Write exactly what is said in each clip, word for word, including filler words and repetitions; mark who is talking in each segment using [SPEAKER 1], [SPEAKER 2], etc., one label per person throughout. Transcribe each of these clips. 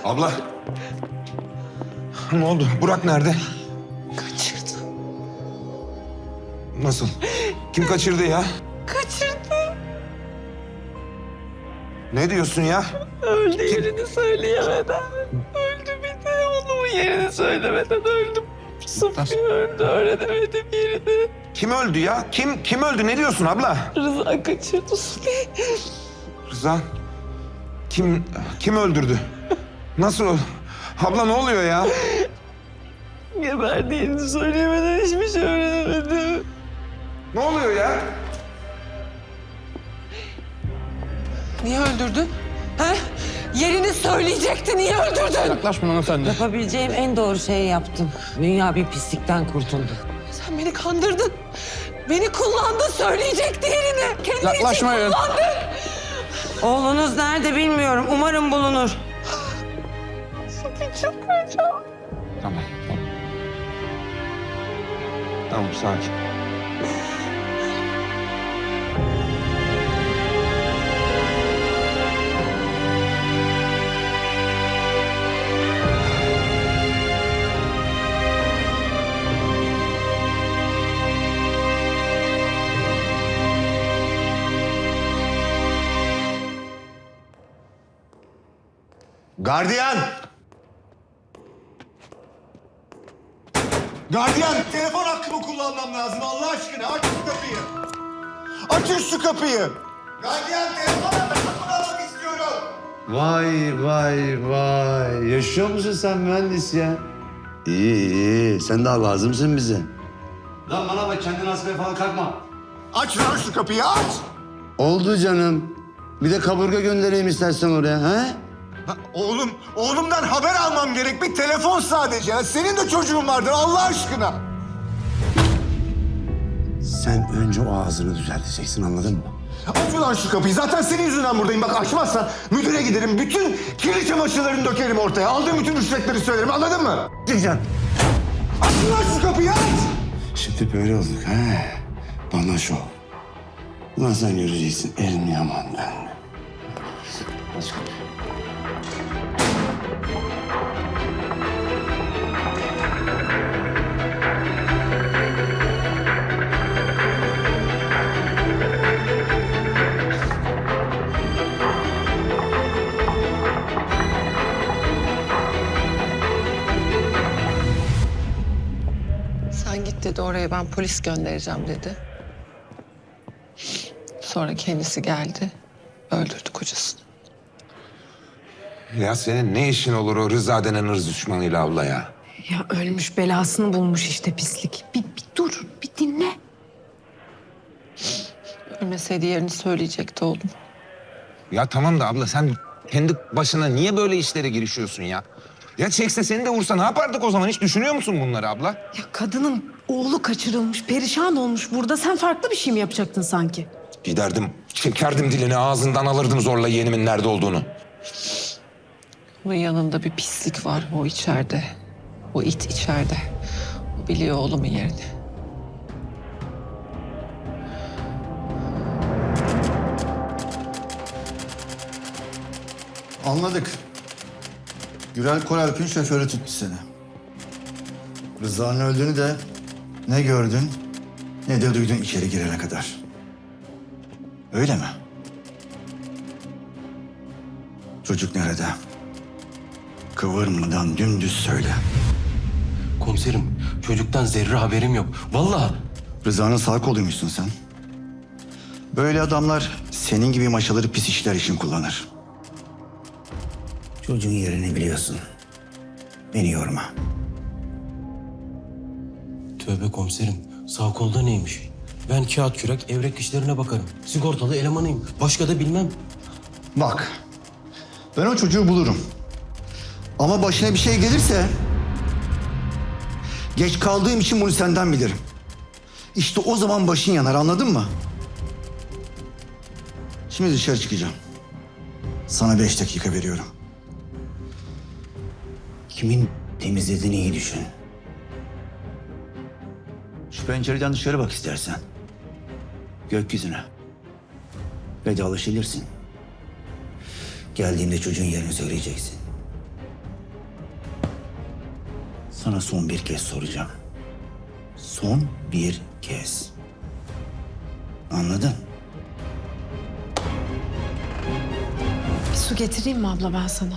[SPEAKER 1] Abla. Ne oldu? Burak nerede?
[SPEAKER 2] Kaçırdı.
[SPEAKER 1] Nasıl? Kim kaçırdı ya?
[SPEAKER 2] Kaçırdı.
[SPEAKER 1] Ne diyorsun ya?
[SPEAKER 2] Öldü yerini söyleyemeden. Öldü bir de oğlumun yerini söylemeden öldüm. Sıfır öldü, öğrenemedim yerini.
[SPEAKER 1] Kim öldü ya? Kim kim öldü? Ne diyorsun abla?
[SPEAKER 2] Rıza kaçırdı Suli.
[SPEAKER 1] Rıza. Kim kim öldürdü? Nasıl o? Abla ne oluyor ya?
[SPEAKER 2] Geberdiğini söyleyemeden hiçbir şey öğrenemedim.
[SPEAKER 1] Ne oluyor ya?
[SPEAKER 2] Niye öldürdün? Ha? Yerini söyleyecekti, niye öldürdün?
[SPEAKER 3] Yaklaşma lan sen de.
[SPEAKER 4] Yapabileceğim en doğru şeyi yaptım. Dünya bir pislikten kurtuldu.
[SPEAKER 2] Sen beni kandırdın. Beni kullandın, söyleyecekti yerini. Kendi için
[SPEAKER 3] Yaklaşmayın.
[SPEAKER 2] kullandın.
[SPEAKER 4] Oğlunuz nerede bilmiyorum. Umarım bulunur.
[SPEAKER 2] Suli çıldıracağım.
[SPEAKER 3] Tamam, tamam.
[SPEAKER 1] Tamam sakin.
[SPEAKER 5] Gardiyan! Gardiyan, telefon hakkımı kullanmam lazım Allah aşkına. Aç şu kapıyı. Açın şu kapıyı. Gardiyan, telefon hakkımı kullanmak istiyorum.
[SPEAKER 6] Vay vay vay. Yaşıyor musun sen mühendis ya? İyi iyi. Sen daha lazımsın bize. Lan bana bak kendini asmaya falan kalkma.
[SPEAKER 5] Aç lan şu kapıyı, aç.
[SPEAKER 6] Oldu canım. Bir de kaburga göndereyim istersen oraya. He?
[SPEAKER 5] Ha, oğlum, oğlumdan haber almam gerek. Bir telefon sadece. Ya. Senin de çocuğun vardır Allah aşkına.
[SPEAKER 6] Sen önce o ağzını düzelteceksin anladın mı?
[SPEAKER 5] Aç lan şu kapıyı. Zaten senin yüzünden buradayım. Bak açmazsan müdüre giderim. Bütün kirli çamaşırlarını dökerim ortaya. Aldığım bütün rüşvetleri söylerim. Anladın mı?
[SPEAKER 6] Diyeceksin.
[SPEAKER 5] Aç lan şu kapıyı, aç.
[SPEAKER 6] Şimdi böyle olduk ha. Bana şov. Ulan sen göreceksin elini yamandan. Aç kapıyı.
[SPEAKER 2] Sen git dedi, oraya ben polis göndereceğim dedi. Sonra kendisi geldi, öldürdü kocasını.
[SPEAKER 1] Ya senin ne işin olur o Rıza denen ırz düşmanıyla abla ya?
[SPEAKER 7] Ya ölmüş belasını bulmuş işte pislik. Bir, bir dur, bir dinle.
[SPEAKER 2] Ölmeseydi yerini söyleyecekti oğlum.
[SPEAKER 1] Ya tamam da abla sen kendi başına niye böyle işlere girişiyorsun ya? Ya çekse seni de vursa ne yapardık o zaman? Hiç düşünüyor musun bunları abla?
[SPEAKER 7] Ya kadının oğlu kaçırılmış, perişan olmuş burada. Sen farklı bir şey mi yapacaktın sanki?
[SPEAKER 1] Giderdim, çekerdim dilini ağzından alırdım zorla yeğenimin nerede olduğunu.
[SPEAKER 2] Onun yanında bir pislik var, o içeride. O it içeride. O biliyor oğlumun yerini.
[SPEAKER 8] Anladık. Gürel Koralp'in şoförü tuttu seni. Rıza'nın öldüğünü de ne gördün ne de duydun içeri girene kadar. Öyle mi? Çocuk nerede? Kıvırmadan dümdüz söyle.
[SPEAKER 9] Komiserim, çocuktan zerre haberim yok. Vallahi.
[SPEAKER 8] Rıza'nın sağ koluymuşsun sen. Böyle adamlar senin gibi maşaları pis işler için kullanır. Çocuğun yerini biliyorsun. Beni yorma.
[SPEAKER 9] Tövbe komiserim, sağ kolda neymiş? Ben kağıt kürek, evrak işlerine bakarım. Sigortalı elemanıyım. Başka da bilmem.
[SPEAKER 8] Bak, ben o çocuğu bulurum. Ama başına bir şey gelirse... geç kaldığım için bunu senden bilirim. İşte o zaman başın yanar, anladın mı? Şimdi dışarı çıkacağım. Sana beş dakika veriyorum. Kimin temizlediğini iyi düşün. Şu pencereden dışarı bak istersen. Gökyüzüne. Vedalaşabilirsin. Geldiğimde çocuğun yerini söyleyeceksin. sana son bir kez soracağım. Son bir kez. Anladın?
[SPEAKER 7] Bir su getireyim mi abla ben sana?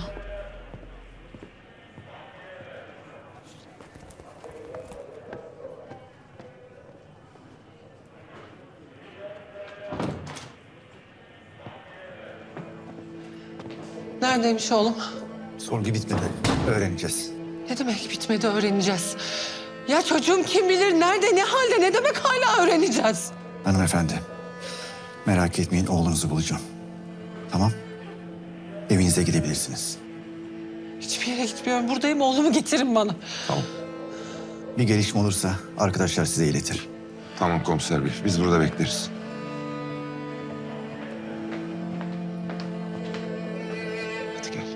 [SPEAKER 4] Neredeymiş oğlum?
[SPEAKER 8] Sorgu bitmedi. Öğreneceğiz.
[SPEAKER 4] Ne demek bitmedi öğreneceğiz. Ya çocuğum kim bilir nerede, ne halde, ne demek hala öğreneceğiz?
[SPEAKER 8] Hanımefendi, merak etmeyin oğlunuzu bulacağım. Tamam? Evinize gidebilirsiniz.
[SPEAKER 4] Hiçbir yere gitmiyorum. Buradayım. Oğlumu getirin bana.
[SPEAKER 8] Bir gelişme olursa arkadaşlar size iletir.
[SPEAKER 1] Tamam komiser bey, biz burada bekleriz. Hadi gel.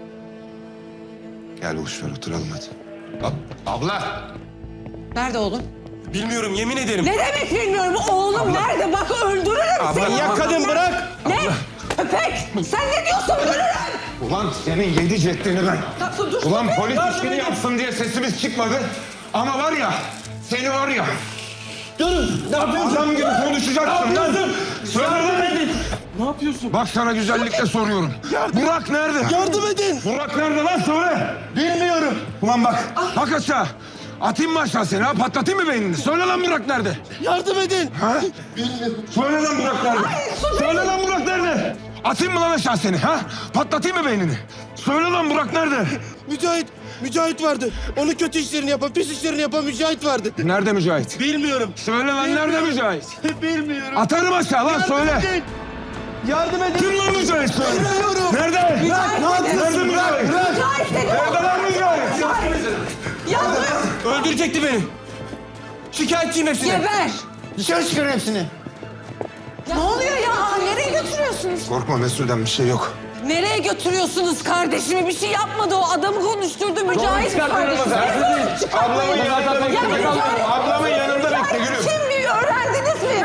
[SPEAKER 1] Gel boş ver, oturalım hadi. Ab- abla!
[SPEAKER 4] Nerede oğlum?
[SPEAKER 9] Bilmiyorum yemin ederim.
[SPEAKER 4] Ne demek bilmiyorum. Oğlum nerede? Bak öldürürüm seni.
[SPEAKER 9] Ya kadın bırak.
[SPEAKER 4] Ne? Köpek! Sen ne diyorsun? Öldürürüm.
[SPEAKER 1] Ulan senin yedi ceddini ben.
[SPEAKER 4] Dur, dur.
[SPEAKER 1] Ulan polis işini yapsın diye sesimiz çıkmadı. Ama var ya, seni var ya.
[SPEAKER 9] Durun. Ne yapıyorsun?
[SPEAKER 1] Adam gibi konuşacaksın lan. Söyle lan.
[SPEAKER 9] Ne yapıyorsun?
[SPEAKER 1] Bak sana güzellikle soruyorum. Burak nerede?
[SPEAKER 9] Yardım edin.
[SPEAKER 1] Burak nerede lan söyle.
[SPEAKER 9] Bilmiyorum.
[SPEAKER 1] Ulan bak, bak aşağı. Atayım mı aşağı seni ha? Patlatayım mı beynini? Söyle lan Burak nerede?
[SPEAKER 9] Yardım edin.
[SPEAKER 1] Ha? Söyle lan Burak nerede? Söyle lan Burak nerede? Atayım mı lan aşağı seni ha? Patlatayım mı beynini? Söyle lan Burak nerede?
[SPEAKER 10] Mücahit, Mücahit vardı. Onun kötü işlerini yapan, pis işlerini yapan Mücahit vardı.
[SPEAKER 1] Nerede Mücahit?
[SPEAKER 10] Bilmiyorum.
[SPEAKER 1] Söyle lan nerede Mücahit?
[SPEAKER 10] Bilmiyorum.
[SPEAKER 1] Atarım aşağı lan söyle.
[SPEAKER 10] edin. Yardım edin.
[SPEAKER 1] Kim lan Mücahit söyle.
[SPEAKER 10] Bilmiyorum.
[SPEAKER 1] Nerede?
[SPEAKER 10] Bırak, ne yapıyorsun?
[SPEAKER 1] Nerede Mücahit?
[SPEAKER 4] Mücahit dedim.
[SPEAKER 1] Nerede lan Mücahit?
[SPEAKER 9] Öldürecekti beni. Şikayetçiyim hepsine.
[SPEAKER 4] Geber.
[SPEAKER 10] Dışarı çıkarın hepsini.
[SPEAKER 7] Ne oluyor ya? Nereye götürüyorsunuz?
[SPEAKER 1] Korkma Mesude'den bir şey yok.
[SPEAKER 4] Nereye götürüyorsunuz kardeşimi? Bir şey yapmadı o. Adamı konuşturdu Mücahit kardeşim.
[SPEAKER 1] Ablamın yanında bekle.
[SPEAKER 4] Ya Mücahit-
[SPEAKER 1] Ablamın yanında bekle yürü.
[SPEAKER 4] Kim biliyor? Öğrendiniz mi?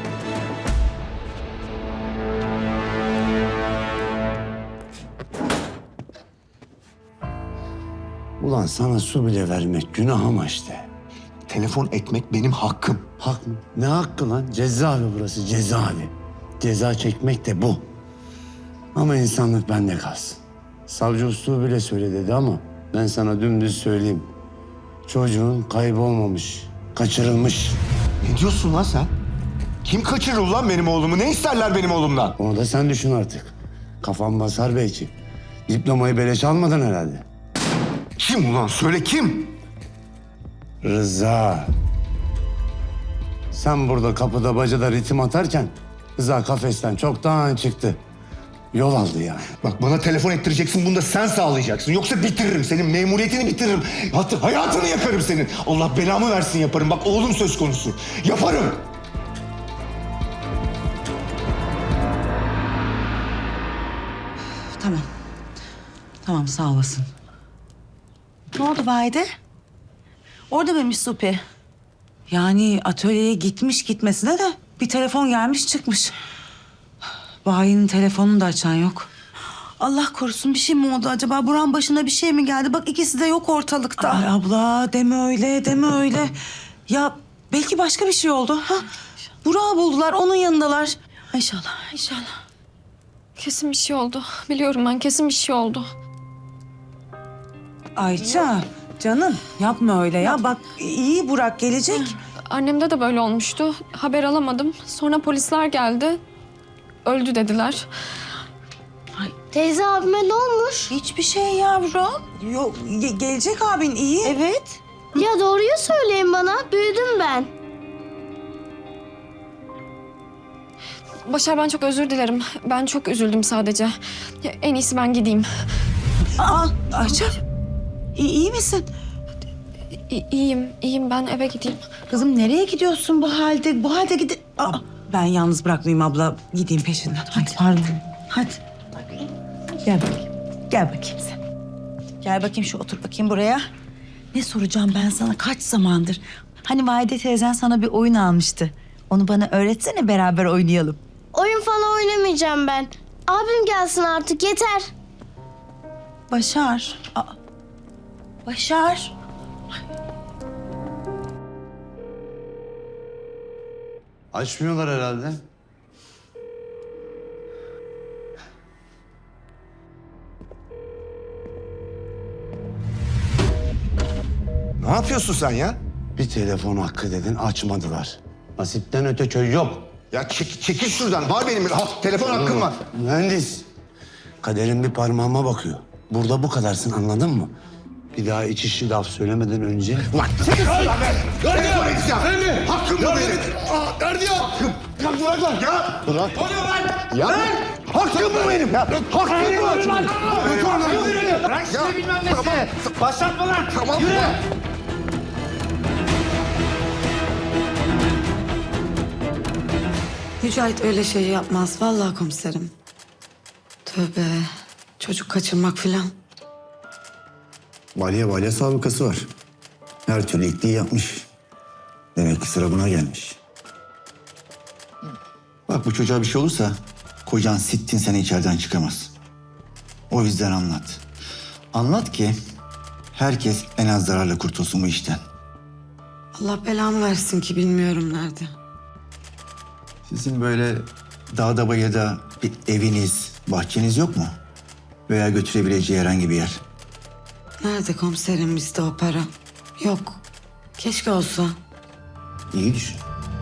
[SPEAKER 6] Ulan sana su bile vermek günah ama işte.
[SPEAKER 5] Telefon etmek benim hakkım.
[SPEAKER 6] Hak mı? Ne hakkı lan? Cezaevi burası, cezaevi. Ceza çekmek de bu. Ama insanlık bende kalsın. Savcı usta bile söyle dedi ama ben sana dümdüz söyleyeyim. Çocuğun kaybolmamış, kaçırılmış.
[SPEAKER 5] Ne diyorsun lan sen? Kim kaçırır lan benim oğlumu? Ne isterler benim oğlumdan?
[SPEAKER 6] Onu da sen düşün artık. Kafan basar belki. Diplomayı beleş almadın herhalde.
[SPEAKER 5] Kim ulan? Söyle kim?
[SPEAKER 6] Rıza. Sen burada kapıda bacada ritim atarken Rıza kafesten çoktan çıktı. Yol aldı yani.
[SPEAKER 5] Bak bana telefon ettireceksin, bunu da sen sağlayacaksın. Yoksa bitiririm, senin memuriyetini bitiririm. Hatta hayatını yakarım senin. Allah belamı versin yaparım. Bak oğlum söz konusu. Yaparım.
[SPEAKER 11] Tamam. Tamam sağ olasın. Ne oldu Vahide? Orada mıymış Supi? Yani atölyeye gitmiş gitmesine de bir telefon gelmiş çıkmış. Vahide'nin telefonunu da açan yok. Allah korusun bir şey mi oldu acaba? Buran başına bir şey mi geldi? Bak ikisi de yok ortalıkta. Ay abla deme öyle deme öyle. Ya belki başka bir şey oldu. Ha? Burak'ı buldular onun yanındalar. İnşallah inşallah.
[SPEAKER 7] Kesin bir şey oldu. Biliyorum ben kesin bir şey oldu.
[SPEAKER 11] Ayça canım yapma öyle ya. Bak iyi Burak gelecek.
[SPEAKER 7] Annemde de böyle olmuştu. Haber alamadım. Sonra polisler geldi. Öldü dediler.
[SPEAKER 11] Teyze abime ne olmuş? Hiçbir şey yavrum. Yok ge- gelecek abin iyi. Evet.
[SPEAKER 12] Ya doğruyu söyleyin bana. Büyüdüm ben.
[SPEAKER 7] Başar ben çok özür dilerim. Ben çok üzüldüm sadece. Ya, en iyisi ben gideyim.
[SPEAKER 11] Aa Ayça iyi, iyi misin?
[SPEAKER 7] İ- iyiyim, iyiyim. Ben eve gideyim.
[SPEAKER 11] Kızım nereye gidiyorsun bu halde? Bu halde gidi... Aa, ben yalnız bırakmayayım abla. Gideyim peşinden. Hadi pardon. Hadi. Gel bakayım. Gel bakayım sen. Gel bakayım şu otur bakayım buraya. Ne soracağım ben sana kaç zamandır? Hani Vahide teyzen sana bir oyun almıştı. Onu bana öğretsene beraber oynayalım.
[SPEAKER 12] Oyun falan oynamayacağım ben. Abim gelsin artık yeter.
[SPEAKER 11] Başar. Aa, Başar.
[SPEAKER 6] Açmıyorlar herhalde.
[SPEAKER 5] Ne yapıyorsun sen ya?
[SPEAKER 6] Bir telefon hakkı dedin, açmadılar. Nasipten öte köy yok.
[SPEAKER 5] Ya çek, çekil şuradan. Var benim ha, telefon hakkım var.
[SPEAKER 6] Mühendis, kaderin bir parmağıma bakıyor. Burada bu kadarsın, anladın mı? Bir daha iç işi laf söylemeden önce...
[SPEAKER 5] Ulan çekil şuradan be. Telefon edeceğim. Hakkım bu benim. Aa, nerede ya? Hakkım. Ya bırak lan ya. Bırak. Ya hakkım bu benim ya. Hakkım bu. Bırak şimdi bilmem nesi. Başlatma lan. Tamam. Yürü.
[SPEAKER 11] Mücahit öyle şey yapmaz vallahi komiserim. Tövbe. Çocuk kaçırmak filan.
[SPEAKER 8] Balya balya sabıkası var. Her türlü itliği yapmış. Demek ki sıra buna gelmiş. Bak bu çocuğa bir şey olursa kocan sittin sene içeriden çıkamaz. O yüzden anlat. Anlat ki herkes en az zararla kurtulsun bu işten.
[SPEAKER 11] Allah belamı versin ki bilmiyorum nerede.
[SPEAKER 8] Sizin böyle dağda bayırda bir eviniz, bahçeniz yok mu? Veya götürebileceği herhangi bir yer.
[SPEAKER 11] Nerede komiserim bizde o para? Yok. Keşke olsa.
[SPEAKER 8] İyi düşün.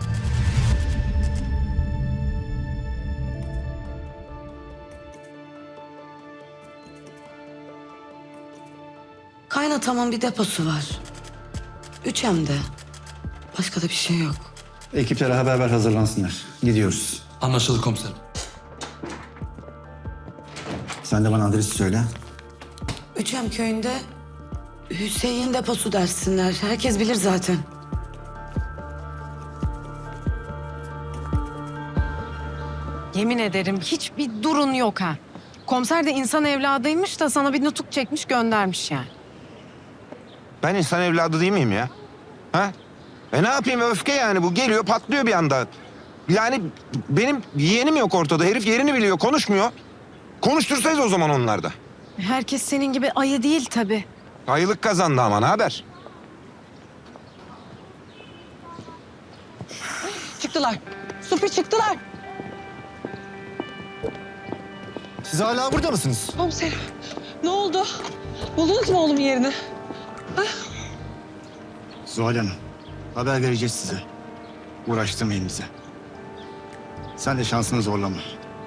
[SPEAKER 11] Kaynatamın bir deposu var. Üç hem de. Başka da bir şey yok.
[SPEAKER 8] Ekiplere haber ver, hazırlansınlar. Gidiyoruz.
[SPEAKER 3] Anlaşıldı komiserim.
[SPEAKER 8] Sen de bana adresi söyle.
[SPEAKER 11] Üçem köyünde Hüseyin deposu dersinler. Herkes bilir zaten.
[SPEAKER 2] Yemin ederim hiçbir durun yok ha. Komiser de insan evladıymış da sana bir nutuk çekmiş göndermiş yani.
[SPEAKER 1] Ben insan evladı değil miyim ya? Ha? E ne yapayım, öfke yani bu. Geliyor patlıyor bir anda. Yani benim yeğenim yok ortada. Herif yerini biliyor, konuşmuyor. Konuştursayız o zaman onlar da.
[SPEAKER 2] Herkes senin gibi ayı değil tabii.
[SPEAKER 1] Ayılık kazandı ama ne haber?
[SPEAKER 4] Çıktılar. Supi çıktılar.
[SPEAKER 5] Siz hala burada mısınız?
[SPEAKER 4] Komiserim ne oldu? Buldunuz mu oğlumun yerini?
[SPEAKER 8] Zuhal Hanım, haber vereceğiz size. Uğraştırmayın bize. Sen de şansını zorlama.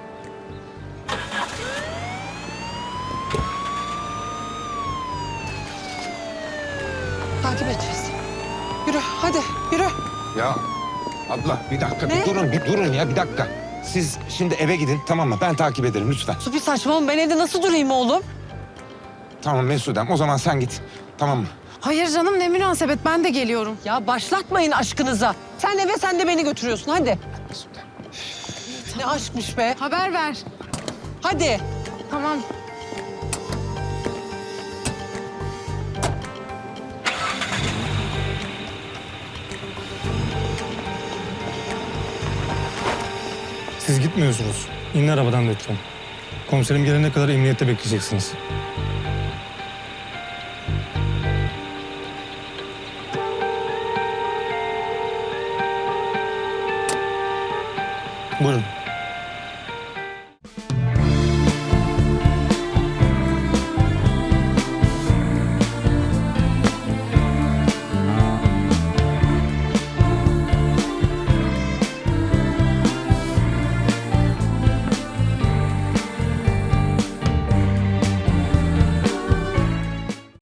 [SPEAKER 4] Takip edeceğiz. Yürü hadi yürü.
[SPEAKER 1] Ya abla bir dakika,
[SPEAKER 4] Ne?
[SPEAKER 1] bir durun, bir durun ya bir dakika. Siz şimdi eve gidin, tamam mı? Ben takip ederim lütfen.
[SPEAKER 4] Supi saçmalama, ben evde nasıl durayım oğlum?
[SPEAKER 1] Tamam Mesudem, o zaman sen git. Tamam mı?
[SPEAKER 2] Hayır canım ne münasebet ben de geliyorum.
[SPEAKER 4] Ya başlatmayın aşkınıza. Sen eve sen de beni götürüyorsun hadi. Ne aşkmış be.
[SPEAKER 2] Haber ver.
[SPEAKER 4] Hadi.
[SPEAKER 2] Tamam.
[SPEAKER 3] Siz gitmiyorsunuz. İnin arabadan lütfen. Komiserim gelene kadar emniyette bekleyeceksiniz. Buyurun.